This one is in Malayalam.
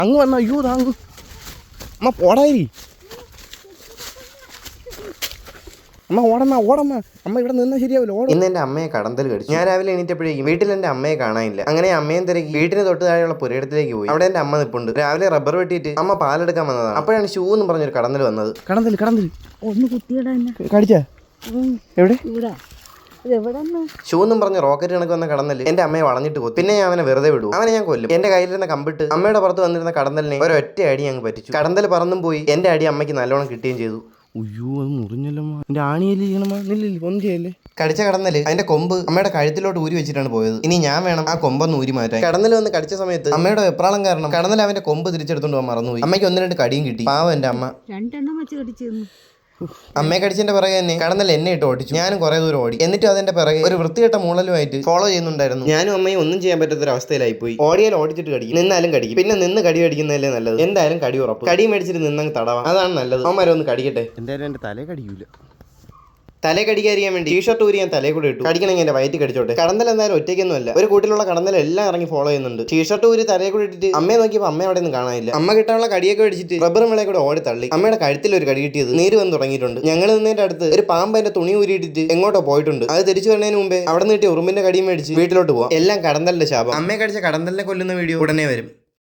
അങ്ങ് വന്ന അയ്യോ താങ്ങ് അമ്മ പോടായി അമ്മ ഓടമ്മ അമ്മ ഇവിടെ നിന്നാ ശരിയാവില്ല. ഇന്ന് എന്റെ അമ്മയെ കടന്തൽ കടിച്ചു. ഞാൻ രാവിലെ എണീറ്റപ്പോഴേക്കും വീട്ടിൽ എന്റെ അമ്മയെ കാണാനില്ല. അങ്ങനെ അമ്മയും തിരക്കി വീട്ടിന് തൊട്ട് താഴെയുള്ള പുരയിടത്തിലേക്ക് പോയി. അവിടെ എന്റെ അമ്മ നിൽപ്പുണ്ട്. രാവിലെ റബ്ബർ വെട്ടിയിട്ട് അമ്മ പാലെടുക്കാൻ വന്നതാണ്. അപ്പോഴാണ് ഷൂ എന്ന് പറഞ്ഞൊരു കടന്തൽ വന്നത്. കടന്തൽ ഒന്ന് കുത്തിയിടാ കടിച്ചാ എവിടെ ഷൂ എന്നും പറഞ്ഞ റോക്കറ്റ് കണക്ക് വന്ന കടന്നല് എന്റെ അമ്മയെ വളഞ്ഞിട്ട് കൊത്തി. പിന്നെ ഞാൻ അവനെ വെറുതെ വിടും. അവനെ ഞാൻ കൊല്ലും. എന്റെ കയ്യിലിരുന്ന കമ്പിട്ട് അമ്മയുടെ പുറത്ത് വന്നിരുന്ന കടന്നലിനെ ഒരൊറ്റ അടി അങ്ങ് പറ്റിച്ചു. കടന്തൽ പറന്നും പോയി. എന്റെ അടി അമ്മയ്ക്ക് നല്ലോണം കിട്ടുകയും ചെയ്തു. അയ്യോ അത് മുറിഞ്ഞല്ലോ. എന്റെ ആണിയിലിരിക്കണമാ ഒന്നും ചെയ്യല്ലേ. കടിച്ച കടന്നല് അതിന്റെ കൊമ്പ് അമ്മയുടെ കഴുത്തിലോട്ട് ഊരി വെച്ചിട്ടാണ് പോയത്. ഇനി ഞാൻ വേണം ആ കൊമ്പൊന്ന് ഊരി മാറ്റാൻ. കടന്നൽ വന്ന് കടിച്ച സമയത്ത് അമ്മയുടെ വെപ്രാളം കാരണം കടന്നൽ അവന്റെ കൊമ്പ് തിരിച്ചെടുത്തോണ്ട് പോകാൻ മറന്നുപോയി. അമ്മയ്ക്ക് 1-2 കടിയും കിട്ടി. പാവം എന്റെ അമ്മ. 2 എണ്ണം വെച്ച് കടിച്ചിരുന്നു. അമ്മയെ കടിച്ചതിന്റെ പിറകെ തന്നെ കടന്നൽ എന്നെ ഇട്ട് ഓടിച്ചു. ഞാനും കുറെ ദൂരം ഓടി. എന്നിട്ടും അതിന്റെ പിറകെ ഒരു വൃത്തികെട്ട മൂളലുമായിട്ട് ഫോളോ ചെയ്യുന്നുണ്ടായിരുന്നു. ഞാനും അമ്മയും ഒന്നും ചെയ്യാൻ പറ്റാത്തൊരു അവസ്ഥയിലായി പോയി. ഓടിയാൽ ഓടിച്ചിട്ട് കടിക്കും, നിന്നാലും കടിക്കും. പിന്നെ നിന്ന് കടി കടിക്കുന്നതല്ലേ നല്ലത്. എന്തായാലും കടി ഉറപ്പ്. കടി മേടിച്ചിട്ട് നിന്നങ്ങ് തടവാം, അതാണ് നല്ലത്. അമ്മമാരെ ഒന്ന് കടിക്കട്ടെ. എന്തായാലും എന്റെ തലേ കടിക്കൂല. തലേ കടിക്കാതിരിക്കാൻ വേണ്ടി ടീഷർട്ട് ഊരി ഞാൻ തലേ കൂടെ ഇട്ടു. കടിക്കണമെങ്കിൽ എന്റെ വയറ്റി കടിച്ചോട്ടെ. കടന്നൽ എന്തായാലും ഒറ്റയ്ക്കൊന്നും അല്ല. ഒരു കൂട്ടിലുള്ള കടന്നൽ എല്ലാം ഇറങ്ങി ഫോളോ ചെയ്യുന്നുണ്ട്. ടീഷർട്ട് ഊരി തലേ കൂടെ ഇട്ടിട്ട് അമ്മയെ നോക്കിയപ്പോൾ അമ്മ അവിടെ നിന്ന് കാണാനില്ല. അമ്മ കിട്ടാനുള്ള കടിയൊക്കെ മേടിച്ചിട്ട് റബ്ബർ മേളെ കൂടെ ഓടി തള്ളി. അമ്മയുടെ കഴുത്തിൽ ഒരു കടി കിട്ടിയത് നീര് വന്ന് തുടങ്ങിയിട്ടുണ്ട്. ഞങ്ങൾ നിന്നതിന്റെ അടുത്ത് ഒരു പാമ്പ് എന്റെ തുണി ഊരിയിട്ടിട്ട് എങ്ങോട്ടോ പോയിട്ടുണ്ട്. അത് തിരിച്ചു വരുന്നതിന് മുമ്പേ അവിടെ നിന്ന് കിട്ടിയ ഉറുമ്പിന്റെ കടിയും മേടിച്ച് വീട്ടിലോട്ട് പോവാം. എല്ലാം കടന്നലിന്റെ ശാപം. അമ്മയെ കടിച്ച കടന്നലിനെ കൊല്ലുന്ന വീഡിയോ ഉടനെ വരും.